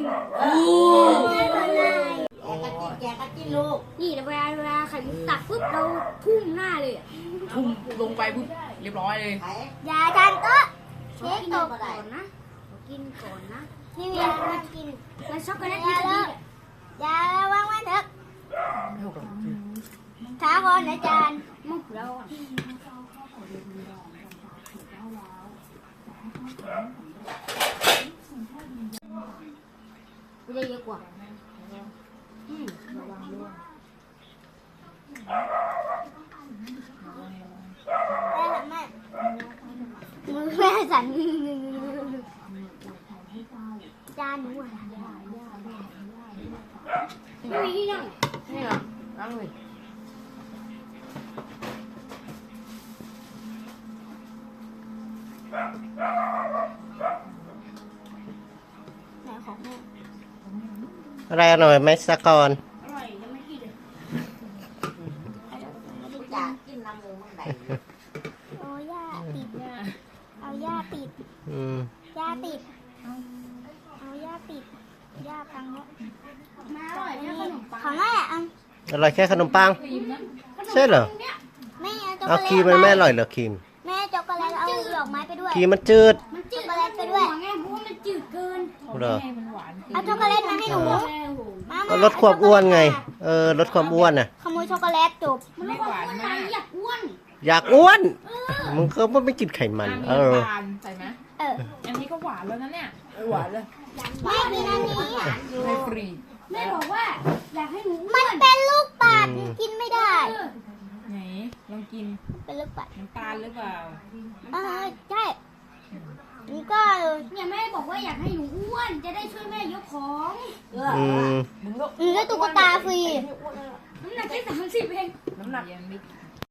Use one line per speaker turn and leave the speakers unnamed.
แกก็กินลูก
นี่เวลาไข่มุกตักปุ๊บเราทุ่มหน้าเลย
ทุ่มลงไปปุ๊บเรียบร้อยเลย
อย่าทานโต๊ะเช็คตก
ก่อนนะกินก่อนนะ
พี่เวียมากิน
มันช็อกโกแลต
อย่าเลยอย่าวางไว้เถอะช้าก่อนอาจารย์
มุกเราไม่ได้เยอะกว่าระวังด้วย
แม่มือแม่สั่นจานหนู
ไม่มีที่นั่ง
นี่เหรอนั่งเลย
ไหนของแม่
อะไรอร่อยไหมสะกอน
อร่อยยังไม่กินเลย
อยากกินน้ำมูมั่งไหนโอ้ย่าติดเอาย่าติดย่าติดเอาย่าติดย่าตังแล้ว
มาอร่อยแค่ขนมปัง
ของแม่
อร่อยแค่ขนมปังใช่เหรอ
แม่
เอาครีมมันไม่อร่อยเหรอครีม
แม่ช็อกโกแลตเอาดอกไม้ไปด้วย
ครีมมันจืด
มันจืดช็อกโกแลตไปด้วยไงเพราะว่ามันจืดเกิน
เหรอ
เอาช็อกโกแลตมาให้หนู
ก็ลดความอ้วนไงลดความอ้วนน่ะ
ขโมยช็อกโกแลตจบ
มันลดความอ้วนมาอยากอ้วน
อยากอ้วนมึงก็ไม่กินไขมัน
ใส่ไหม
อั
นนี้ก็หวานแล้วนะเนี่ยหวานเลย
แม่กินอันนี้
ไม่ฟรี
แม่บอกว่าอยากให้หนู
มันเป็นลูกปัดกินไม่ได้
ไหนลองกิน
เป็นลูกปัด
น้ำตาลหรือเปล่า
ใช่นี่ก็
เนี่ยแม่บอกว่าอยากให้หนูอ้วนจะได้ช่วยแม่ยกของ
ได้ตุ๊กตาฟรี
น้ำหนักแค่30เอง
น้ำหนักยังไม่